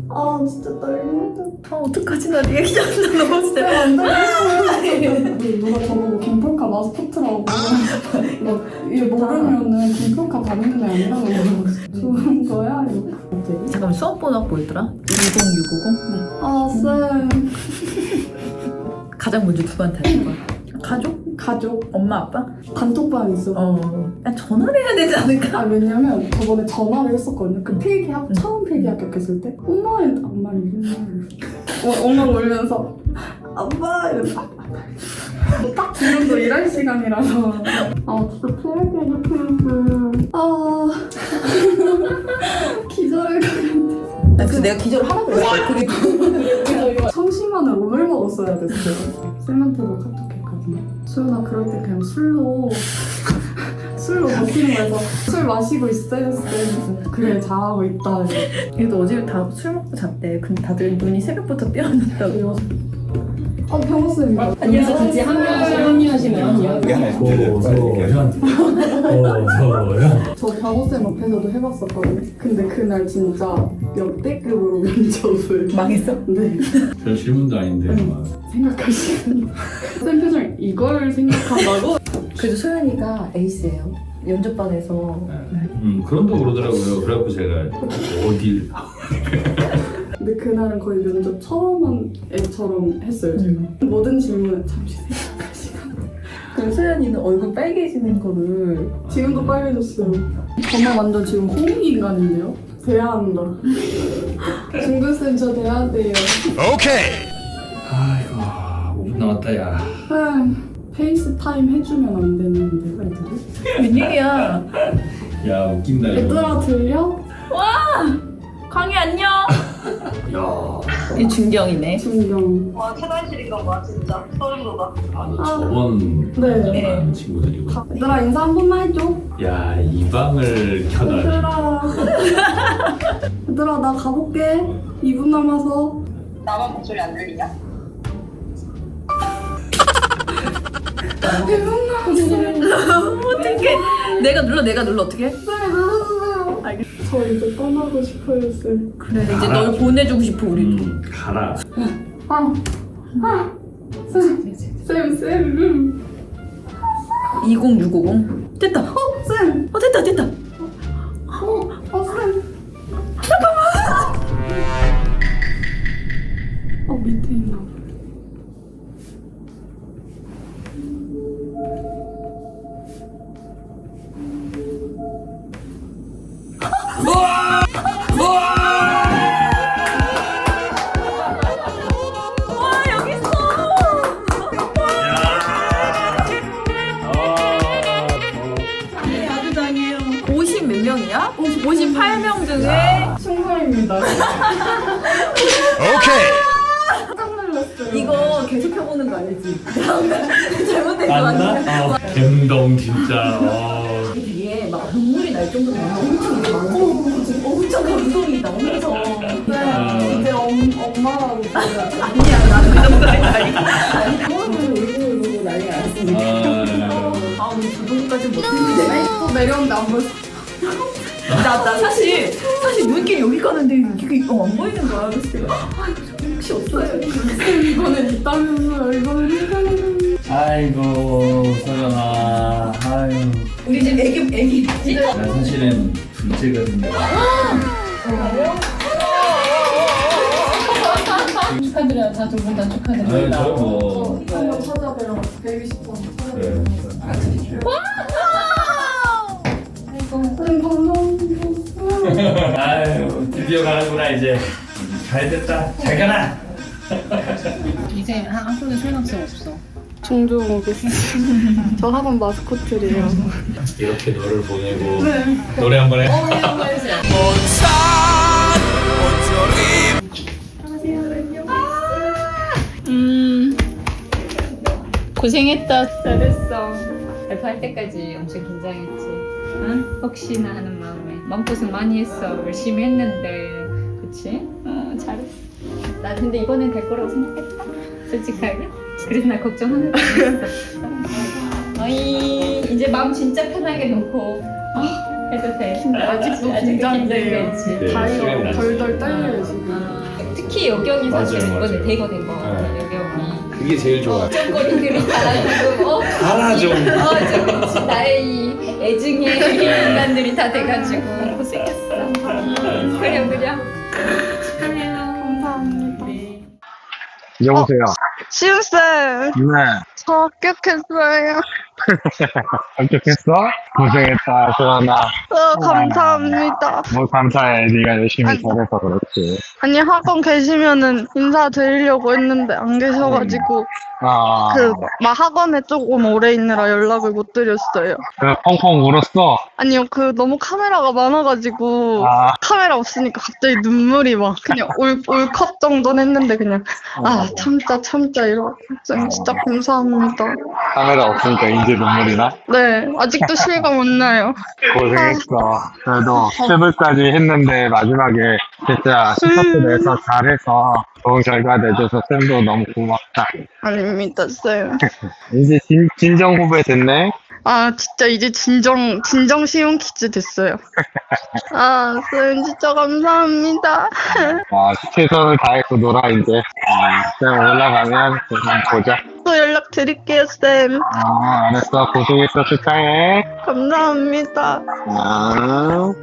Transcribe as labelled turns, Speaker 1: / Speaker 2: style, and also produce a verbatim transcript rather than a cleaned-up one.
Speaker 1: 아 진짜 떨려.
Speaker 2: 아 어떡하지 나 리액션 너무 진짜
Speaker 1: 안 돼. 누가 저보고 김폴카 마스코트라고 막 이게 모르면은 김폴카 다니는 애 아니라고 좋은 거야? 이렇게.
Speaker 2: 잠깐만 수업 번호 뭐였더라? 이공육오공? 네.
Speaker 1: 아 쌤.
Speaker 2: 가장 먼저 누구한테 하는 거야? 가족?
Speaker 1: 가족
Speaker 2: 엄마 아빠?
Speaker 1: 단톡방 있어.
Speaker 2: 어. 야, 전화를 해야 되지 않을까?
Speaker 1: 아 왜냐면 저번에 전화를 했었거든요. 그 필기 합 처음 필기 합격했을 때 엄마 엄마 이름을 어, 엄마 울면서 아빠 이러면서 딱 지금도 일할 시간이라서 아 진짜 필기 합격했어요. 아 기절할 것 같아.
Speaker 2: 그래서 내가 기절을 하라고 그랬어. 그게
Speaker 1: 청심환을 오늘 먹었어야 됐어요. 쌤한테도 카톡했거든요. 수연아 그럴 때 그냥 술로 술로 버티는 거에서 술 마시고 있어요 쌤. 그래 잘하고 있다.
Speaker 2: 얘도 어제 다 술 먹고 잤대. 근데 다들 눈이 새벽부터 떼어났다고.
Speaker 1: 아 병호쌤이다.
Speaker 3: 여기서 같이 합류하시면
Speaker 4: 고소연 고소연
Speaker 1: 저 병호쌤 앞에서도 해봤었거든요. 근데 그날 진짜 역대급으로 면접을
Speaker 2: 망했어?
Speaker 1: 네
Speaker 4: 별 질문도 아닌데 막.
Speaker 1: 생각할 시간. 쌤 표정 이걸 생각한다고?
Speaker 2: 그래도 소연이가 에이스예요. 연접반에서.
Speaker 4: 음 그런다고 그러더라고요. 그래갖고 제가 어딜
Speaker 1: 근데 그날은 거의 면접 처음 한 애처럼 했어요 제가. 모든 질문은 잠시 생각할 시간.
Speaker 2: 그럼 소연이는 얼굴 빨개지는 거를
Speaker 1: 지금도 빨개졌어요. 저는 완전 지금 홍익인간인데요? 대화한다. 중근쌤 저 대화돼요.
Speaker 4: 아이고 오 분 남았다 야.
Speaker 1: 아, 페이스타임 해주면 안 되는데 애들이?
Speaker 2: 웬일이야.
Speaker 4: 야 웃긴다 이거.
Speaker 1: 얘들아 들려?
Speaker 2: 광희 안녕.
Speaker 4: 야.
Speaker 2: 이 준경이네.
Speaker 1: 준경.
Speaker 5: 와 최단실인가 봐 진짜 소름 돋아.
Speaker 4: 아, 너 저번
Speaker 1: 네.
Speaker 4: 만난 친구들이고.
Speaker 1: 얘들아 인사 한 번만 해줘.
Speaker 4: 야, 이 방을 켜다.
Speaker 1: 얘들아. 얘들아 나 가볼게. 이 분 남아서.
Speaker 5: 나만 목소리 안 들리냐?
Speaker 2: 어떡해. 내가 눌러 내가 눌러 어떡해?
Speaker 1: 네 눌러주세요.
Speaker 2: 알겠어.
Speaker 1: 저 이제 떠나고 싶어요 쌤.
Speaker 2: 그래 이제 널 보내주고 싶어 우리도.
Speaker 4: 음, 가라.
Speaker 1: 아. 아. 쌤. 쌤 쌤.
Speaker 2: 이공육오공 됐다.
Speaker 1: 어 쌤.
Speaker 2: 어 됐다 됐다.
Speaker 1: 어. 어 쌤. 어 밑에 있나 봐.
Speaker 2: 와 여기 있어. 야구장이에요. 오십 몇 명이야? 오십팔 명 중에
Speaker 1: 충성입니다. 깜짝 놀랐어요.
Speaker 2: 이거 계속 해보는 거 아니지? 잘못된 거 아니야?
Speaker 4: 맞나? 어, 갬동 진짜. 어.
Speaker 2: 되게 막 눈물이 날 정도로 엄청 어, 엄청 감동이다 엄청.
Speaker 1: 네, 이제 엄, 엄마라고 불러요.
Speaker 2: 아니야 나는 그 정도는 아니야.
Speaker 1: 울고 울고 난리 났습니다.
Speaker 4: 아,
Speaker 2: 아 우리 그 정도까지 못했는데.
Speaker 1: 또 내려오는데 안 보였어.
Speaker 2: 나, 나 사실 사실 눈길 여기 가는데 이게 어, 안 보이는 거야. 그래서 내가 아 혹시 없어요?
Speaker 1: 이거는 있다면서요. 이거는 있다면서요.
Speaker 4: 아이고 소연아. 아유.
Speaker 2: 우리 집 애기 애기 있지?
Speaker 4: 나 사실은 둘째거든요.
Speaker 3: 축하드려요. 다 두 분 다
Speaker 4: 아유
Speaker 3: 축하드립니다.
Speaker 4: 저 뭐.
Speaker 1: 한번 찾아뵈러 뵈고 싶어.
Speaker 4: 네.
Speaker 1: 쌤 감사합니다.
Speaker 4: 아유 드디어 가는구나 이제. 잘 됐다. 잘 가라.
Speaker 3: 이제 한 학교에 설학생 없어.
Speaker 1: 종종 오겠습니다. 저 학원 마스코트래요.
Speaker 4: 이렇게 너를 보내고 노래 한번 해.
Speaker 3: 음 고생했다. 잘했어. 발표할 때까지 엄청 긴장했지. 응? 혹시나 하는 마음에 마음고생 많이 했어. 열심히 했는데 그치? 어 잘했어. 나 근데 이번엔 될 거라고 생각했다. 솔직하게. 그래서 나 걱정 하나도 안 했어. 어이 이제 마음 진짜 편하게 놓고 어? 해도 돼.
Speaker 1: 아직도
Speaker 3: 아직도
Speaker 1: 긴장돼요.
Speaker 3: 긴장되지.
Speaker 4: 네,
Speaker 1: 다리가
Speaker 4: 시간이
Speaker 1: 덜덜
Speaker 4: 났어요.
Speaker 1: 떨려요 지금.
Speaker 3: 어. 특히 여경이 사실
Speaker 4: 맞아요,
Speaker 3: 이번에
Speaker 4: 맞아요.
Speaker 3: 대거된 거 같아.
Speaker 4: 네.
Speaker 3: 여경이.
Speaker 4: 그게 제일 좋아.
Speaker 3: 걱정거리들이 다 지금 어?
Speaker 4: 알아 좀.
Speaker 3: 어 지금 나의 이 애증의 인간들이 다 돼가지고 고생했어. 음, 그래 그래.
Speaker 1: 감사합니다.
Speaker 6: 여보세요.
Speaker 1: 시은쌤,
Speaker 6: 네.
Speaker 1: 저 합격했어요.
Speaker 6: 합격했어? 고생했다, 수연아.
Speaker 1: 어, 감사합니다.
Speaker 6: 뭐 감사해. 네가 열심히
Speaker 1: 아니.
Speaker 6: 잘해서 그렇지.
Speaker 1: 아니, 학원 계시면은 인사드리려고 했는데 안 계셔가지고,
Speaker 6: 아,
Speaker 1: 그, 막 학원에 조금 오래 있느라 연락을 못 드렸어요.
Speaker 6: 그 펑펑 울었어?
Speaker 1: 아니요, 그 너무 카메라가 많아가지고,
Speaker 6: 아,
Speaker 1: 카메라 없으니까 갑자기 눈물이 막 그냥 울, 울컥 정도는 했는데 그냥, 아, 참자, 참자, 이러고. 쌤, 진짜 감사합니다.
Speaker 6: 카메라 없으니까 이제 눈물이 나?
Speaker 1: 네, 아직도 실감 안 나요.
Speaker 6: 고생했어. 그래도 스텝까지 했는데 마지막에 진짜 스타트 내서 잘해서 좋은 결과 내줘서 쌤도 너무 고맙다.
Speaker 1: 아닙니다, 쌤.
Speaker 6: 이제 진, 진정 후배 됐네?
Speaker 1: 아, 진짜 이제 진정, 진정 쉬운 퀴즈 됐어요. 아, 쌤, 진짜 감사합니다.
Speaker 6: 아, 최선을 다해서 놀아, 이제. 음, 쌤 올라가면 그냥 보자.
Speaker 1: 또 연락 드릴게요, 쌤.
Speaker 6: 어, 알았어. 고생했어. 축하해.
Speaker 1: 감사합니다.
Speaker 6: 아.